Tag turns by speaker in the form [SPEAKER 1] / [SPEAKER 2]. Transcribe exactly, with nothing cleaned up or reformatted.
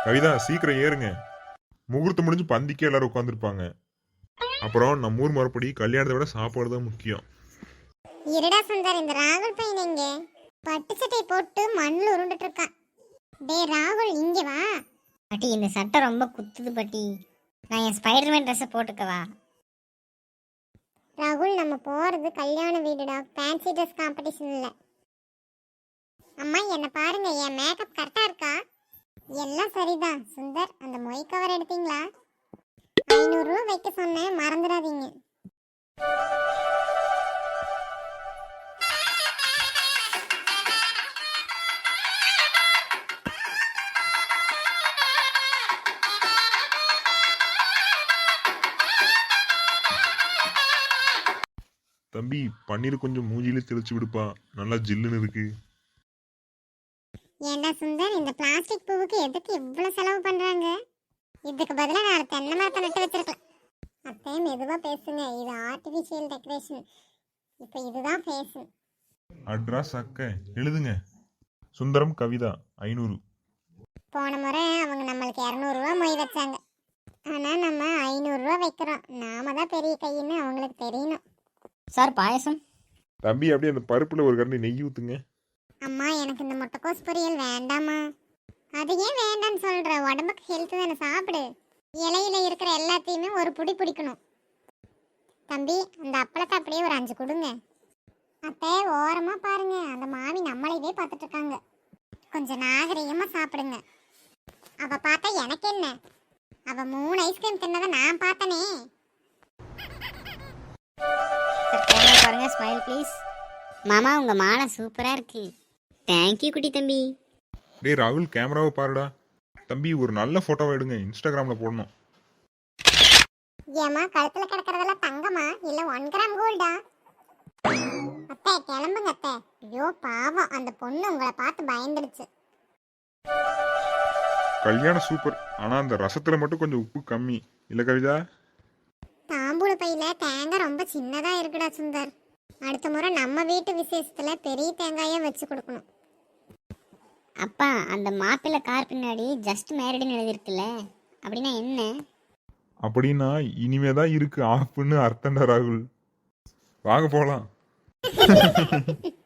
[SPEAKER 1] கவிதா சீக்கிரம் ஏறுங்க. முகூர்த்தம் முடிஞ்சு பந்திக்கே எல்லாரும் உட்காந்துருப்பாங்க. அப்புறம் நம்ம ஊர் முறைப்படி கல்யாணத்தை விட சாப்பாடு தான் முக்கியம்.
[SPEAKER 2] இருடா சுந்தர், இந்த ராகுல் பையன் எங்க? பட்டு சட்டை போட்டு மண்ணில் உருண்டுட்டு இருக்கான். டே ராகுல், இங்க வா.
[SPEAKER 3] பாட்டி, இந்த சட்டை ரொம்ப குத்துது பாட்டி. நான் என் ஸ்பைடர்மேன் ட்ரெஸ்ஸை போட்டுக்கவா?
[SPEAKER 2] ராகுல், நம்ம போறது கல்யாண வீடுடா, ஃபேன்சி ட்ரெஸ் காம்படிஷன் இல்ல. அம்மா என்ன பாருங்க, என் மேக்கப் கரெக்டா இருக்கா? எல்லாம் சரிதான். சுந்தர், அந்த மொய் கவர் எடுத்தீங்களா? ஐநூறு ரூபா வைக்க சொன்னேன், மறந்துடாதீங்க.
[SPEAKER 1] தம்பி, பன்னீர் கொஞ்சம் மூஞ்சில தெளிச்சு விடுப்பா, நல்லா ஜில்லுன்னு இருக்கு.
[SPEAKER 2] ஏண்டா சுந்தர், இந்த பிளாஸ்டிக் பூவுக்கு எதுக்கு இவ்வளவு செலவு பண்றாங்க? இதுக்கு பதிலா நான் தென்னை மரத்தை நட்டு வச்சிருக்கலாம். அத்தை மெதுவா பேசுங்க, இது ஆர்டிபிஷியல் டெக்கரேஷன். இப்போ இதுதான் ஃபேஷன்.
[SPEAKER 1] அட்ரஸ் அக்க எழுதுங்க. சுந்தரம் கவிதா ஐநூறு.
[SPEAKER 2] போன முறை அவங்க நம்மளுக்கு இரநூறுவா மொய் வச்சாங்க. ஆனா நம்ம ஐநூறுரூவா வைக்கிறோம். நாம தான் பெரிய கையின்னு அவங்களுக்கு தெரியணும்.
[SPEAKER 3] சார், பாயசம்.
[SPEAKER 1] தம்பி, அப்படியே அந்த பருப்புல ஒரு கரண்டி நெய் ஊத்துங்க.
[SPEAKER 2] அம்மா, எனக்கு இந்த முட்டைக்கோஸ் பொரியல் வேண்டாமா? அது ஏன் வேண்டான்னு சொல்ற? உடம்புக்கு ஹெல்த் தானே, சாப்பிடு. இலையில இருக்கிற எல்லாத்தையுமே ஒரு புடி பிடிக்கணும். தம்பி, அந்த அப்பளத்தை அப்படியே ஒரு அஞ்சு கொடுங்க. அத்தை ஓரமா பாருங்க, அந்த மாமி நம்மளையவே பார்த்துட்டு இருக்காங்க. கொஞ்சம் நாகரிகமா சாப்பிடுங்க. அவ பார்த்தா எனக்கு என்ன? அவ மூணு ஐஸ்கிரீம் தின்னதை நான் பார்த்தனே.
[SPEAKER 3] பாருங்க, ஸ்மைல் ப்ளீஸ். மாமா, உங்க மாலை சூப்பரா இருக்கு. தேங்க்யூ குட்டி தம்பி.
[SPEAKER 1] டேய் ராகுல், கேமராவை பாருடா. தம்பி, ஒரு நல்ல போட்டோவை எடுங்க, இன்ஸ்டாகிராம்ல போடணும்.
[SPEAKER 2] ஏமா, கழுத்துல கிடக்கிறதெல்லாம் தங்கமா இல்ல ஒன் கிராம் கோல்டா? அத்தை கிளம்புங்க அத்தை. ஐயோ பாவம், அந்த பொண்ணு உங்களை பார்த்து பயந்துடுச்சு.
[SPEAKER 1] கல்யாணம் சூப்பர், ஆனா அந்த ரசத்துல மட்டும் கொஞ்சம் உப்பு கம்மி இல்ல கவிதா?
[SPEAKER 2] தாம்பூல பையில தேங்காய் ரொம்ப சின்னதா இருக்குடா சுந்தர். அடுத்த முறை நம்ம வீட்டு விசேஷத்துல பெரிய தேங்காயா வச்சு கொடுக்கணும்.
[SPEAKER 3] அப்பா, அந்த மாப்பிள்ளை கார் பின்னாடி ஜஸ்ட் மேரிடுன்னு எழுதிருக்குல்ல, அப்படின்னா என்ன?
[SPEAKER 1] அப்படின்னா இனிமேதான் இருக்கு ஆப்புன்னு அர்த்தம்டா ராகுல். வாங்க போலாம்.